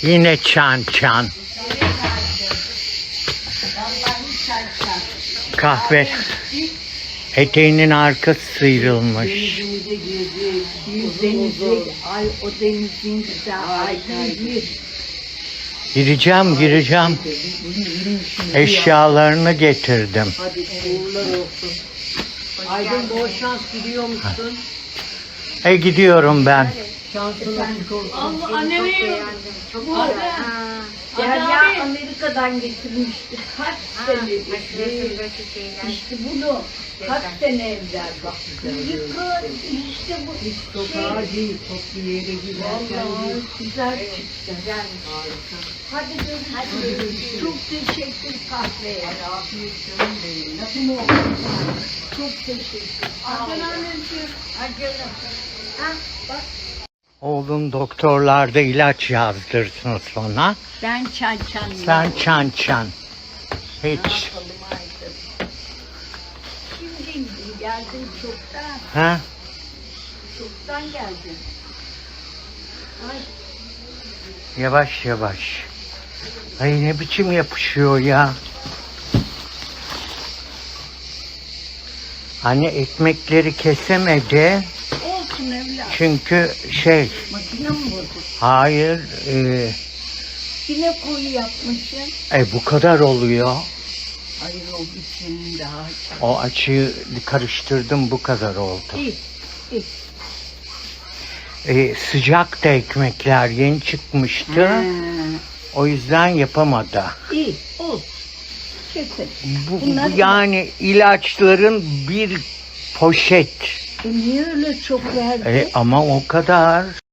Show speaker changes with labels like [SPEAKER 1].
[SPEAKER 1] Yine çan çan. Kahve. Eteğinin arkası sıyrılmış.
[SPEAKER 2] Ay o denizin güzel aydın.
[SPEAKER 1] Gireceğim. Eşyalarını getirdim.
[SPEAKER 2] Hadi uğurlar olsun. Aydın bol şans gidiyor musun?
[SPEAKER 1] Gidiyorum ben.
[SPEAKER 2] Şansına olsun.
[SPEAKER 3] Allah annemi
[SPEAKER 4] Çok
[SPEAKER 3] bu arada
[SPEAKER 2] Derya Amerika'dan getirmişti. Kaç sene İşte bunu kaç sene evvel bak. Yıkın işte bu. Hiç sokağa değil, top bir yere giderken değil. Güzel çıktı. Harika. Hadi görüşürüz. Çok teşekkür kahveye. Afiyet canım benim. Nasıl oldu? Çok teşekkür.
[SPEAKER 3] anneciğim.
[SPEAKER 2] Ha bak.
[SPEAKER 1] Oğlum doktorlarda ilaç yazdırsın sana.
[SPEAKER 2] Ben çan.
[SPEAKER 1] Sen çan. Hiç.
[SPEAKER 2] Şimdi geldim çoktan.
[SPEAKER 1] Ha?
[SPEAKER 2] Çoktan geldim. Ay.
[SPEAKER 1] Yavaş. Ay ne biçim yapışıyor ya. Anne ekmekleri kesemedi.
[SPEAKER 2] Olsun evlat.
[SPEAKER 1] Çünkü
[SPEAKER 2] Makine mi bozuk?
[SPEAKER 1] hayır
[SPEAKER 2] Yine koyu yapmışsın.
[SPEAKER 1] bu kadar oluyor.
[SPEAKER 2] Hayır o biçim daha.
[SPEAKER 1] O açıyı karıştırdım, bu kadar oldu.
[SPEAKER 2] İyi.
[SPEAKER 1] Sıcak da ekmekler yeni çıkmıştı. O yüzden yapamadı.
[SPEAKER 2] İyi. Olsun. Kesin.
[SPEAKER 1] Bu
[SPEAKER 2] Bunlar-
[SPEAKER 1] yani ilaçların bir poşet.
[SPEAKER 2] Niye öyle çok verdi?
[SPEAKER 1] Ama o kadar.